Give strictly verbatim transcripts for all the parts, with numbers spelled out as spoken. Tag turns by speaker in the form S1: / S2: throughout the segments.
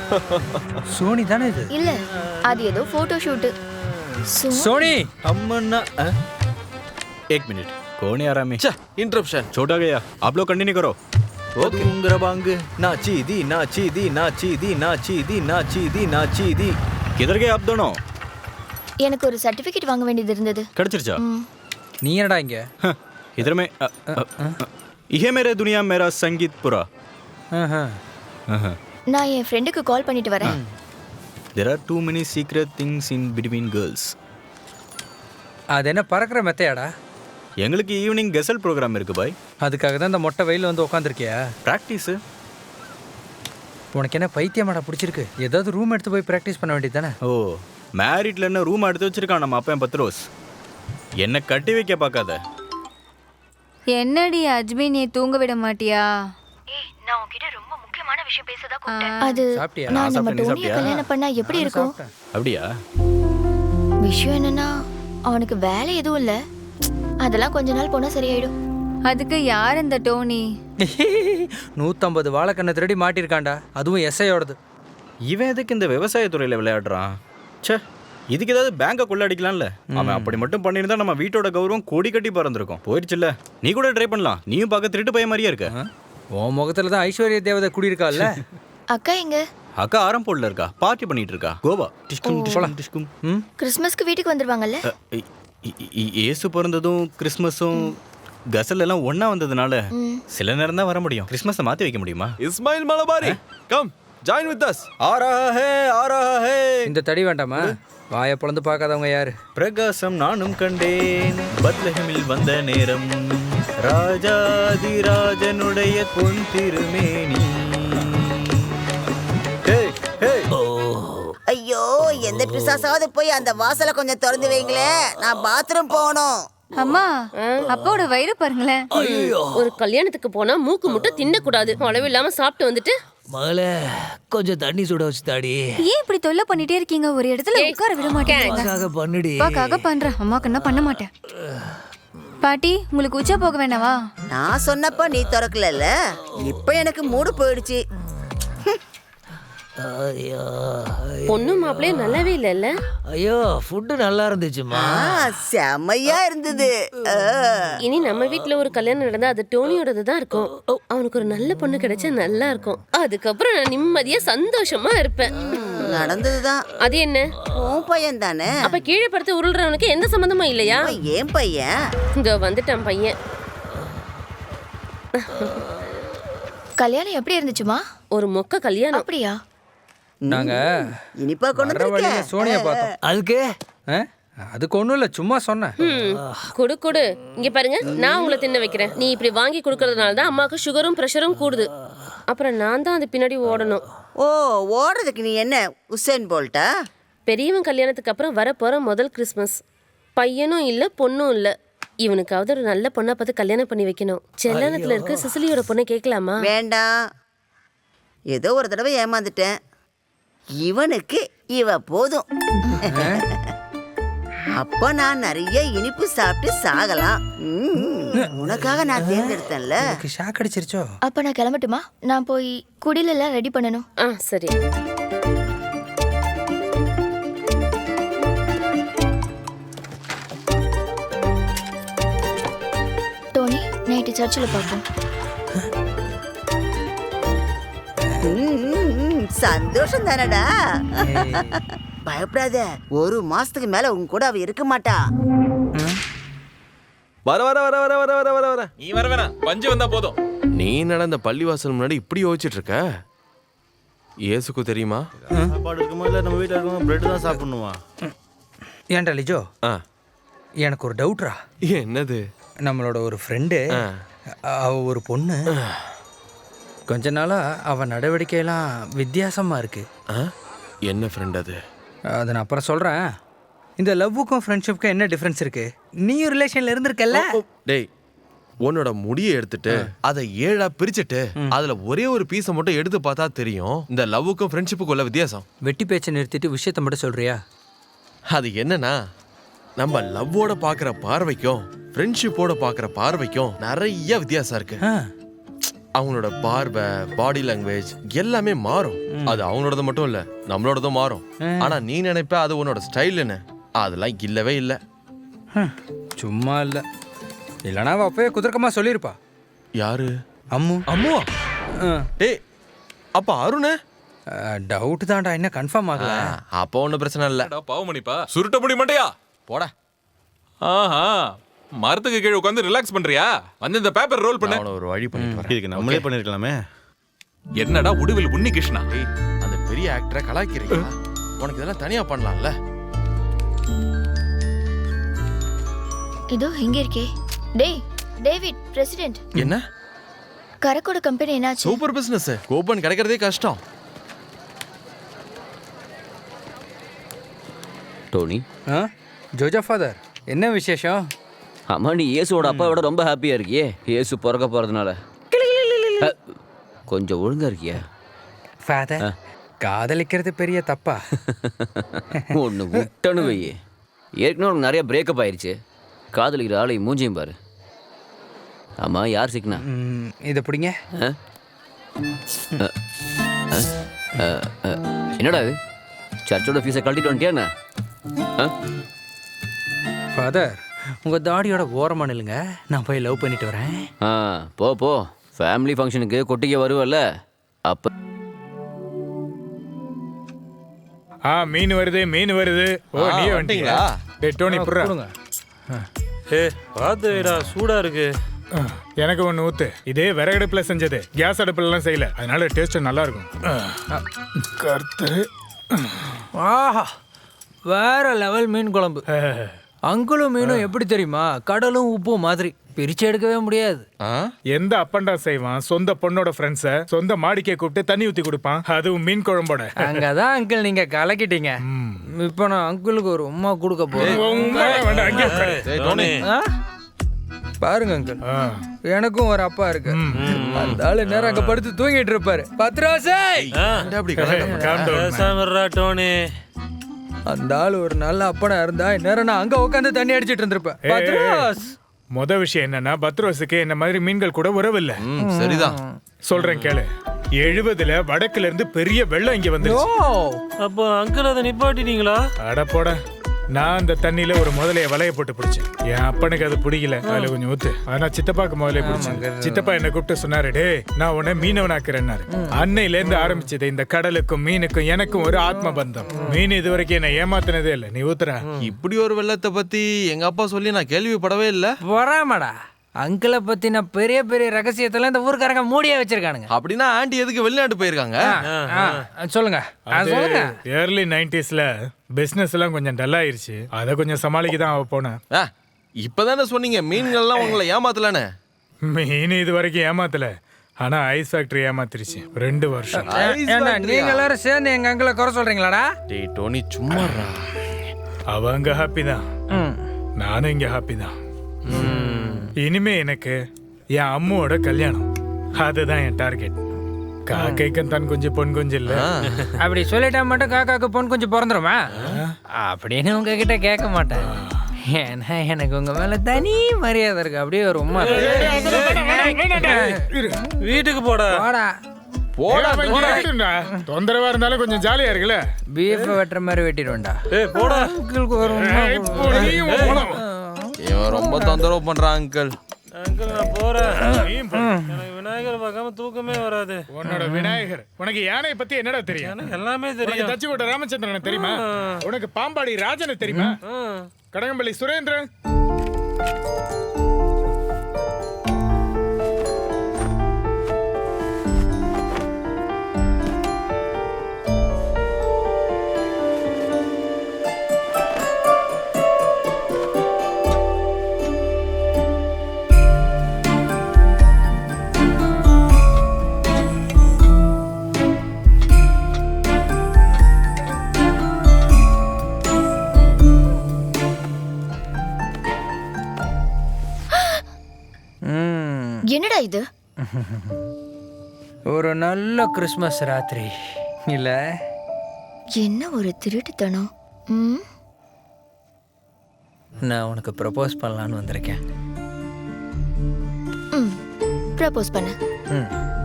S1: Sony தானே இது?
S2: இல்ல, அது ஏதோ போட்டோ ஷூட்.
S1: सोनी
S3: अम्मन्ना एक मिनट कौन है आरामी?
S4: इंटरप्शन
S3: छोटा गया, आप लोग कंटिन्यू करो. ओके. उंगरा बांग नाची दी नाची दी नाची दी नाची दी नाची दी नाची दी. किधर गए आप दोनों?
S2: எனக்கு ஒரு சர்டிபிகேட் வாங்க வேண்டியது இருந்தது.
S3: கடிச்சிருச்சா?
S1: நீ என்னடா இங்க?
S3: इधर में ये मेरे दुनिया मेरा संगीत पूरा.
S2: நான் என் ஃப்ரெண்டுக்கு கால் பண்ணிட்டு வரேன்.
S3: There are too many secret things in between girls.
S1: அது என்ன பறக்கிற மெத்தையாடா?
S3: எங்களுக்கு ஈவினிங் கெசல் ப்ரோக்ராம் இருக்கு பாய்.
S1: அதுக்காக தான் இந்த மொட்டை வெயில வந்து உட்காந்துருக்கியா?
S3: ப்ராக்டிஸ்.
S1: உனக்கு என்ன பைத்தியமாடா பிடிச்சிருக்கு? ஏதாவது ரூம் எடுத்து போய் ப்ராக்டிஸ் பண்ண வேண்டியது தானே?
S3: ஓ, மேரிட்ல என்ன ரூம் எடுத்து வச்சிருக்கான் நம்ம அப்பன் பத்ரோஸ். என்ன கட்டி வைக்க பார்க்காத.
S5: என்னடி அஜ்மி, நீ தூங்க விட மாட்டியா?
S2: ஏய், நான் உன்கிட்ட ரொம்ப முக்கியமான விஷயம் பேசதா கூப்பிட்டேன்.
S5: ஆ.
S2: அது
S1: சாப்பிட்டியா?
S2: நான் நம்ம
S3: சாப்பிட்டேன்,
S2: டோனியை
S3: சாப்பிட்டியா?
S2: கல்யாணம் பண்ணா எப்படி இருக்கும்?
S3: அப்படியா?
S2: விஷயம் என்னன்னா, அவனுக்கு வேலை எதுவும் இல்ல. அதெல்லாம் கொஞ்ச நாள் போனா சரியாயிடும்.
S5: அதுக்கு யார் இந்த டோனி?
S1: நூற்றம்பது வாழைக்கண்ணை திருடி மாட்டிருக்காண்டா, அதுவும் எஸ்ஐயோடது.
S3: இவன் எதுக்கு இந்த விவசாயத்துறையில் விளையாடுறான்? ச்சே, இதுக்கு ஏதாவது பேங்கை கொள்ளடிக்கலாம்ல. அவன் அப்படி மட்டும் பண்ணியிருந்தா நம்ம வீட்டோட கௌரவம் கோடி கட்டி பறந்துருக்கும். போயிடுச்சுல்ல. நீ கூட ட்ரை பண்ணலாம். நீயும் பார்க்க திருட்டு பையன் மாதிரியே இருக்க.
S1: உன் முகத்துல தான் ஐஸ்வர்ய தேவதை குடியிருக்காள்ல.
S2: அக்கா எங்க?
S3: அக்கா ஆரம்போல்ல இருக்கா, பார்ட்டி பண்ணிட்டு இருக்கா. கோவா. டிஷ்கும் டிஷ்கும் டிஷ்கும்.
S1: ம்,
S2: கிறிஸ்மஸ்க்கு வீட்டுக்கு வந்துருவாங்கல்ல?
S3: இ- இ- இ- இயேசு பிறந்ததும் கிறிஸ்மஸும் கசல் எல்லாம் ஒண்ணா வந்ததுனால சில நேரம் தான் வர முடியும். கிறிஸ்மஸை மாத்தி வைக்க முடியுமா?
S4: Ismail Malabari come join with us.
S3: ஆ ரஹா ஹே ஆ ரஹா ஹே.
S1: இந்த தடி வேண்டாமா? வாயை பிளந்து பார்க்காதவங்க யாரு?
S3: பிரகாசம் நானும் கண்டேன் பத்லஹேமில் வந்த நேரம், ராஜாதிராஜனுடைய பொன் திருமேனி. ஹே ஹே.
S6: ஐயோ, எந்த பிசாசாவது போய் அந்த வாசலை கொஞ்சம் திறந்து வைங்களேன், நான் பாத்ரூம் போகணும்.
S5: அம்மா, அப்பாவோட வயிறு பாருங்களேன்.
S7: ஒரு கல்யாணத்துக்கு போனா மூக்கு முட்டை தின்னக்கூடாது. அளவு இல்லாம சாப்பிட்டு வந்துட்டு
S8: மகளே, கொஞ்சம் தண்ணி சுட வச்சு தாடி.
S5: ஏன் இப்படி தொல்லை பண்ணிட்டே இருக்கீங்க? ஒரு இடத்துல உட்கார விட மாட்டேங்க.
S8: அக்காக பண்ணுடி.
S5: அப்பாக்காக பண்றேன், அம்மாக்கு என்ன பண்ண மாட்டேன். பாட்டி, உங்களுக்கு உச்சா போக வேணாவா?
S6: நான் சொன்னப்ப நீ திறக்கல, இப்ப எனக்கு மூடு போயிடுச்சு.
S8: ஐயோ
S7: பொண்ணு மாப்பிள்ளையே நல்லாவே இல்லைல்ல.
S8: ஐயோ, ஃபுட்டு நல்லா இருந்துச்சுமா.
S6: ஆ, செமையா இருந்தது. ஆ.
S7: இனி நம்ம வீட்ல ஒரு கல்யாணம் நடந்தா அது டோனியோடது தான் இருக்கும். அவனுக்கு ஒரு நல்ல பொண்ணு கிடைச்சா நல்லா இருக்கும். அதுக்கப்புறம் நான் நிம்மதியா சந்தோஷமா இருப்பேன்.
S6: நடந்ததுதான்.
S7: அது என்ன?
S6: உன் பையன் தானே?
S7: அப்ப கீழே படுத்து உருள்றவனுக்கு எந்த சம்மந்தமும் இல்லையா?
S6: ஏன் பையன்?
S7: இங்க வந்துட்டான் பையன்.
S2: கல்யாணம் எப்படி இருந்துச்சுமா?
S7: ஒரு மொக்க கல்யாணம்.
S2: அப்படியா?
S1: நாங்க
S6: இனிப்பா கொண்டு
S1: வர வழியில
S6: வந்திருக்க.
S1: சோனியா பார்த்தோம்.
S8: அதுக்கு
S1: ஆ? அதுக்கு ஒன்றும் இல்லை, சும்மா சொன்னேன்.
S7: ம், குடு குடு. இங்க பாருங்க, நான் உங்களை தின்ன வைக்கிறேன். நீ இப்படி வாங்கி கொடுக்கறதுனால தான் அம்மாவுக்கு சுகரும் ப்ரெஷரும் கூடுது. அப்புறம் நான் தான் அது பின்னாடி ஓடணும்.
S6: ஓ, ஓடுறதுக்கு நீ என்ன உசேன் போல்ட்டா?
S7: பெரியவன் கல்யாணத்துக்கு அப்புறம் வரப்போற முதல் கிறிஸ்மஸ். பையனும் இல்ல பொண்ணும் இல்ல. இவனுக்காவது ஒரு நல்ல பொண்ணை பார்த்து கல்யாணம் பண்ணி வைக்கணும். செல்லனத்துல இருக்க சிசிலியோட பொண்ணை கேட்கலாமா?
S6: வேண்டாம், ஏதோ ஒரு தடவை ஏமாந்துட்டேன். இவனுக்கு இவ போதும். அப்ப நான் நிறைய இனிப்பு சாப்பிட்டு சாகலாம். ம், உனக்காக நான் தேர்ந்தெடுத்தேன்ல.
S1: எனக்கு ஷாக் அடிச்சிருச்சோ?
S2: அப்ப நான் கிளம்பட்டுமா? நான் போய் குடில எல்லாம் ரெடி பண்ணணும்.
S7: ஆ சரி.
S2: டோனி, நைட்டு சர்ச்சில் பார்ப்போம்.
S6: ம், சந்தோஷம் தானடா. பயப்படாத, ஒரு மாசத்துக்கு மேல உன் கூட அவ இருக்க மாட்டா.
S4: வர வர வர வர வர வர வர வர.
S9: நீ வர வேணாம், பஞ்சு வந்தா போதும்.
S4: நீ நடந்த பள்ளிவாசல் முன்னாடி இப்படி யோசிச்சுட்டு இருக்க? இயேசுக்கு தெரியுமா?
S3: சாப்பாடு இருக்குமா இல்லை நம்ம வீட்டில் இருக்கோம் பிரெட் தான் சாப்பிடணுமா?
S1: ஏன்டா லிஜோ,
S4: ஆ,
S1: எனக்கு ஒரு டவுட்ரா.
S4: என்னது?
S1: நம்மளோட ஒரு ஃப்ரெண்டு, அவ ஒரு பொண்ணு. கொஞ்ச நாளா அவ நடவடிக்கையெல்லாம் வித்தியாசமா இருக்கு.
S4: ஆ, என்ன ஃப்ரெண்ட் அது?
S1: அதை நான் அப்புறம் சொல்றேன். இந்த லவ்வுக்கும் ஃப்ரெண்ட்ஷிப்புக்கும் என்ன டிஃப்ரென்ஸ் இருக்கு? நீயும் ரிலேஷன்ல இருந்திருக்கல்ல?
S4: டேய், உன்னோட முடியை எடுத்துட்டு அதை ஏழா பிரிச்சுட்டு அதுல ஒரே ஒரு பீஸை மட்டும் எடுத்து பார்த்தா தெரியும் இந்த லவ்வுக்கும் ஃப்ரெண்ட்ஷிப்புக்கும் உள்ள வித்தியாசம்.
S1: வெட்டி பேச்சை நிறுத்திட்டு விஷயத்தை மட்டும் சொல்றியா?
S4: அது என்னன்னா, நம்ம லவ்வோட பாக்குற பார்வைக்கும் ஃப்ரெண்ட்ஷிப்போட பாக்குற பார்வைக்கும் நிறைய வித்தியாசம் இருக்கு.
S1: ஆ,
S4: அவங்களோட பார்வை, பாடி லாங்குவேஜ் எல்லாமே மாறும். அது அவங்களோடது மட்டும் இல்ல, நம்மளோடதும் மாறும். ஆனா நீ நினைப்ப அது உன்னோட ஸ்டைல்னு, அதெல்லாம் இல்லவே இல்ல.
S1: ஹம், சும்மா இல்லை. இல்லைனா அவள் அப்பவே குதர்க்கமாக சொல்லியிருப்பா.
S4: யாரு?
S1: அம்மு.
S4: அம்முவா? டேய், அப்ப அருண்?
S1: டவுட் தான்டா, இன்னும் கன்ஃபார்ம் ஆகல.
S4: அப்போ ஒன்றும் பிரச்சனை இல்லை.
S9: பாவமணிப்பா சுருட்ட முடி மாட்டியா?
S4: போடா.
S9: ஆஹா, மரத்துக்கு கீழே உட்காந்து ரிலாக்ஸ் பண்றியா? வந்து இந்த பேப்பர் ரோல் பண்ணு.
S4: அவனை ஒரு வழி பண்ணிட்டு வரேன்.
S3: இதுக்கு நம்மளே பண்ணிருக்கலாமே.
S9: என்னடா உடுவில் உன்னி கிருஷ்ணா?
S4: டேய், அந்த பெரிய ஆக்டரை கலாய்க்கிறீங்க. உனக்கு இதெல்லாம் தனியா பண்ணலாம்ல.
S2: இதோ இங்க இருக்கே. டேய் டேவிட், பிரசிடென்ட்.
S4: என்ன?
S2: கரக்கோட கம்பெனி என்னாச்சு?
S4: Super business. கூப்பன் கிடைக்கிறதே கஷ்டம்.
S10: டோனி,
S1: ஆ ஜோஜா ஃபாதர், என்ன விசேஷம்?
S10: அம்மா நீ இயேசுவோட அப்பாவோட ரொம்ப ஹாப்பியா இருக்கியே, இயேசு பிறக்க போறதுனால. அ, கொஞ்சம் ஒழுங்கா இருக்கியா?
S1: ஃபாதர், காதலிக்கிறது பெரிய தப்பா?
S10: ஒன்று விட்டனு வை. ஏற்கனவே உனக்கு நிறைய பிரேக்கப் ஆயிடுச்சு. காதலிக்கிற ஆளை மூஞ்சியும் பாரு. ஆமா, யார் சிக்கனா?
S1: ம், இதை பிடிங்க.
S10: ஆ? அ, அ, அ, அ, என்னடா இது? சர்ச்சோட ஃபீஸை கழட்டிட்டு வந்துட்டியா என்ன? ஆ?
S1: ஃபாதர், உங்கள் தாடியோட ஓரமாக நில்லுங்க, நான் போய் லவ் பண்ணிட்டு வரேன்.
S10: ஆ, போ போ. ஃபேமிலி ஃபங்க்ஷனுக்கு கொட்டிக்க வருவல்ல அப்ப.
S11: ஆ மீன் வருது, மீன் வருது. ஓ
S4: ஆ,
S11: நீ
S4: வந்துட்டீங்களா?
S11: வந்துட்டீங்களா? டேய் டோனி புர்ரா.
S1: கொடுங்க.
S3: ஏ பாத்துடா, சூடா இருக்கு.
S11: எனக்கு ஒன்று ஊத்து. இதே விறகடுப்புல செஞ்சது, கேஸ் அடுப்புலலாம் செய்யல, அதனால டேஸ்ட் நல்லா இருக்கும். கர்த்தரு.
S8: ஆஹா, வேற லெவல் மீன் குழம்பு. அங்குளும் மீனும் எப்படி தெரியுமா? கடலும் உப்பும் மாதிரி, பிரிச்சு எடுக்கவே முடியாது.
S4: ஆ?
S11: எந்த அப்பண்டா செய்வான் சொந்த பொண்ணோட ஃப்ரெண்ட்ஸை சொந்த மாடிக்கே கூப்பிட்டு தண்ணி ஊத்தி கொடுப்பான், அதுவும் மீன் குழம்போட.
S1: அங்கதான் அங்கிள் நீங்க கலக்கிட்டீங்க. இப்போ நான் அங்கிளுக்கு ஒரு உம்மா கொடுக்க போறேன்.
S11: உம்மா வேண்டாம், அங்கே உட்காரு.
S4: டேய், டோனி.
S1: ஆ? பாருங்க அங்கிள்,
S11: ஆ.
S1: எனக்கும் ஒரு அப்பா இருக்கு. அந்த ஆளு நேரம் அங்க படுத்து தூங்கிட்டு இருப்பாரு. பத்ராசை,
S4: என்ன அப்படி கலாய்க்க?
S11: Calm down, man.
S3: டோனி.
S1: அந்த ஆளு ஒரு நல்ல அப்பனா இருந்தா நேரம் நான் அங்க உட்காந்து தண்ணி அடிச்சிட்டு இருந்திருப்பேன்.
S11: ஏய்,
S1: பத்ராஸ்,
S11: முத விஷயம் என்னன்னா, பத்ரோஸுக்கு என்ன மாதிரி மீன்கள் கூட உறவு இல்ல.
S4: ம், சரிதான்.
S11: சொல்றேன் கேளு. எழுபதுல வடக்குல இருந்து பெரிய வெள்ளம் இங்க வந்துருச்சு.
S3: அப்போ அங்கிள் அதை நிப்பாட்டிட்டீங்களா?
S11: அட போட. நான் அந்த தண்ணியில ஒரு முதலைய வலைய போட்டு பிடிச்சேன். என் அப்பனுக்கு அது பிடிக்கல, அதுல கொஞ்சம் ஊத்து. ஆனா சித்தப்பாக்கு முதலைய பிடிச்சேன். சித்தப்பா என்ன கூப்பிட்டு சொன்னாரு, டே நான் உன்னை மீனவனாக்குறேன்னாரு. அன்னையில இருந்து ஆரம்பிச்சது இந்த கடலுக்கும் மீனுக்கும் எனக்கும் ஒரு ஆத்ம பந்தம். மீன் இது வரைக்கும் என்ன ஏமாத்தினதே இல்லை. நீ ஊத்துற.
S4: இப்படி ஒரு வெள்ளத்தை பத்தி எங்க அப்பா சொல்லி நான் கேள்விப்படவே இல்ல.
S8: வராமடா, அங்கிளை பத்தின பெரிய பெரிய ரகசியத்தெல்லாம் இந்த ஊருக்காரங்க மூடியே வச்சிருக்கானுங்க.
S4: அப்படின்னா ஆண்டி எதுக்கு வெளிநாட்டு போயிருக்காங்க?
S8: ஆ, சொல்லுங்க அது சொல்லுங்க.
S11: ஏர்லி நைன்டிஸ்ல பிசினஸ் எல்லாம் கொஞ்சம் டல் ஆயிருச்சு. அதை கொஞ்சம் சமாளிக்க தான் அவ போனேன்.
S4: ஆ, இப்பதானே சொன்னீங்க மீன்கள்லாம் உங்களை ஏமாத்தலன்னு.
S11: மீன் இது வரைக்கும் ஏமாத்தல, ஆனா ஐஸ் ஃபேக்டரி ஏமாத்திருச்சு. ரெண்டு வருஷம்.
S1: ஏண்டா நீங்க எல்லாரும் சேர்ந்து எங்க அங்கிளை குறை சொல்றீங்களாடா?
S4: டேய் டோனி, சும்மாடா.
S11: அவங்க ஹாப்பி தான், நானும் இங்க ஹாப்பி தான். இனிமே எனக்கு என் அம்மாவோட கல்யாணம், அதுதான் என் டார்கெட். காக்கைக்கும் தன் கொஞ்சம் பொன் கொஞ்சம் இல்ல.
S1: அப்படி சொல்லிட்டா மட்டும் காக்காக்கு பொன் கொஞ்சம் பிறந்துருமா அப்படின்னு உங்ககிட்ட கேட்க மாட்டேன். ஏன்னா எனக்கு உங்க மேல தனி மரியாதை இருக்கு. அப்படியே ஒரு உமா.
S3: வீட்டுக்கு போடா.
S1: போடா
S11: போடா, தொந்தரவா இருந்தாலும் கொஞ்சம் ஜாலியா இருக்குல்ல.
S1: பீஃப் வெட்டுற மாதிரி வெட்டிடுவேன்டா.
S3: ஏய் போடா.
S1: அங்கிளுக்கு ஒரு உம்மா
S11: ஏய், போடியும் போலாம்.
S4: இவன் ரொம்ப தொந்தரவு பண்றான் அங்கிள்.
S3: அங்கிள் நான் போறேன். எனக்கு விநாயகர் பார்க்காம தூக்கமே வராது.
S11: உன்னோட விநாயகர். உனக்கு யானை பத்தி என்னடா தெரியும்?
S3: எனக்கு எல்லாமே
S11: உனக்கு
S3: தெரியும்.
S11: தச்சுக்கோட்டை ராமச்சந்திரனை தெரியுமா? உனக்கு பாம்பாடி ராஜனை தெரியுமா? கடகம்பள்ளி சுரேந்திரன்.
S2: என்னடா இது?
S1: ஒரு நல்ல கிறிஸ்மஸ் ராத்திரி இல்ல?
S2: என்ன ஒரு திருட்டுத்தனம். ம்,
S1: நான் உனக்கு ப்ரப்போஸ் பண்ணலான்னு வந்திருக்கேன்.
S2: ம், ப்ரப்போஸ் பண்ணு.
S8: ம்.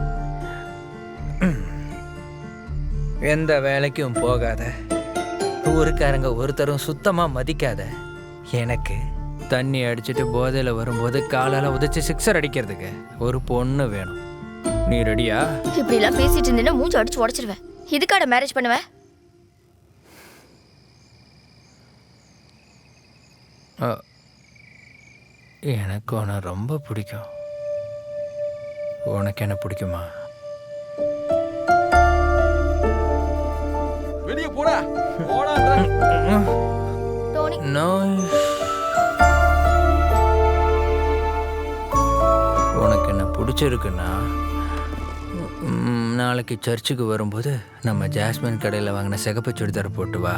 S8: எந்த வேலைக்கும் போகாத, ஊருக்காரங்க ஒருத்தரும் சுத்தமா மதிக்காத எனக்கு தண்ணி அடிச்சுட்டு போதையில வரும்போது காலால உதைச்சு சிக்ஸர் அடிக்கிறதுக்கு ஒரு பொண்ணு வேணும். நீ ரெடியா?
S2: இப்படி எல்லாம் பேசிட்டு இருந்தேன்னா மூஞ்சி அடிச்சு உடைச்சிருவேன். இதுக்காட மேரேஜ் பண்ணுவேன்?
S8: அ, எனக்கு உன்னை ரொம்ப பிடிக்கும். உனக்கு என்ன பிடிக்குமா?
S4: வெளியே போடா போடா.
S2: Tony,
S8: no. உனக்கு என்ன பிடிச்சிருக்குன்னா ம், நாளைக்கு சர்ச்சுக்கு வரும்போது நம்ம ஜாஸ்மின் கடையில் வாங்கின சிகப்பு சுடிதார் போட்டு வா.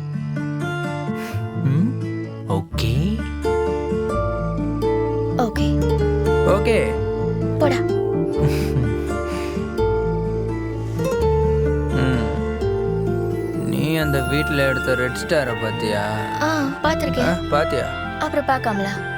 S8: ம், ஓகே
S2: ஓகே
S8: ஓகே.
S2: போடா.
S8: ம், நீ அந்த வீட்டில் எடுத்த ரெட் ஸ்டாரை பார்த்தியா?
S2: ஆ, பார்த்திருக்கேன்.
S8: பாத்தியா?
S2: அப்புறம் பார்க்காமலா?